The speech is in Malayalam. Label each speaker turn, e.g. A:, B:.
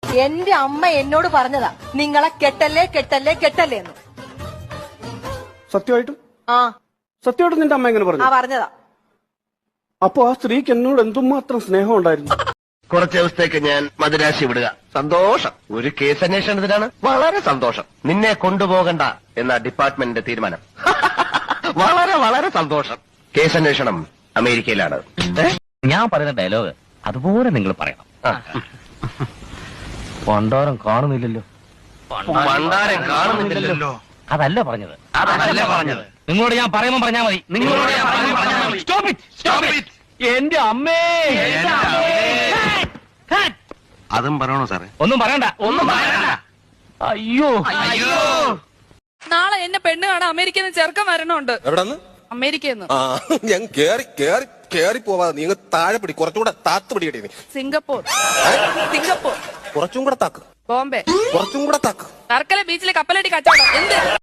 A: എന്റെ അമ്മ എന്നോട് പറഞ്ഞതാ നിങ്ങളെ കെട്ടല്ലേ കെട്ടല്ലേ കെട്ടല്ലേ എന്ന്.
B: സത്യമായിട്ടും
A: ആ
B: സത്യമായിട്ടും നിന്റെ അമ്മ എങ്ങനെ പറഞ്ഞു?
A: പറഞ്ഞതാ.
B: അപ്പൊ ആ സ്ത്രീക്ക് എന്നോട് എന്തുമാത്രം സ്നേഹം ഉണ്ടായിരുന്നു.
C: കുറച്ച് ദിവസത്തേക്ക് ഞാൻ മദിരാശി വിടുക. സന്തോഷം. ഒരു കേസ് അന്വേഷണത്തിനാണ്. വളരെ സന്തോഷം. നിന്നെ കൊണ്ടുപോകണ്ട എന്ന ഡിപ്പാർട്ട്മെന്റിന്റെ തീരുമാനം. വളരെ വളരെ സന്തോഷം. കേസ് അന്വേഷണം അമേരിക്കയിലാണ്.
D: ഞാൻ പറയുന്ന ഡയലോഗ് അതുപോലെ നിങ്ങൾ പറയണം. പണ്ടാരം കാണുന്നില്ലല്ലോ.
C: പണ്ടാരം കാണുന്നില്ലല്ലോ.
D: അതല്ല പറഞ്ഞത്. നിങ്ങളോട് ഞാൻ പറയുമ്പോൾ പറഞ്ഞാൽ മതി. എന്റെ അമ്മേ.
C: അതും പറയണോ സാറേ?
D: ഒന്നും പറയണ്ട. അയ്യോ.
E: നാളെ എന്നെ പെണ്ണ് കാണാൻ അമേരിക്കയിൽ നിന്ന് ചെറുക്കം വരണുണ്ട്.
F: എവിടെന്ന്?
E: അമേരിക്കയിൽ നിന്ന്.
F: ഞാൻ കേറി പോവാതെ നീ താഴെ പിടി, കുറച്ചുകൂടെ താത്ത് പിടിക്കട്ടെ. നീ
E: സിംഗപ്പൂർ.
F: കുറച്ചും കൂടെ താക്ക്.
E: ബോംബെ.
F: കുറച്ചും കൂടെ താക്ക്.
E: വർക്കല ബീച്ചിലെ കപ്പലടി കച്ചവടം. എന്ത്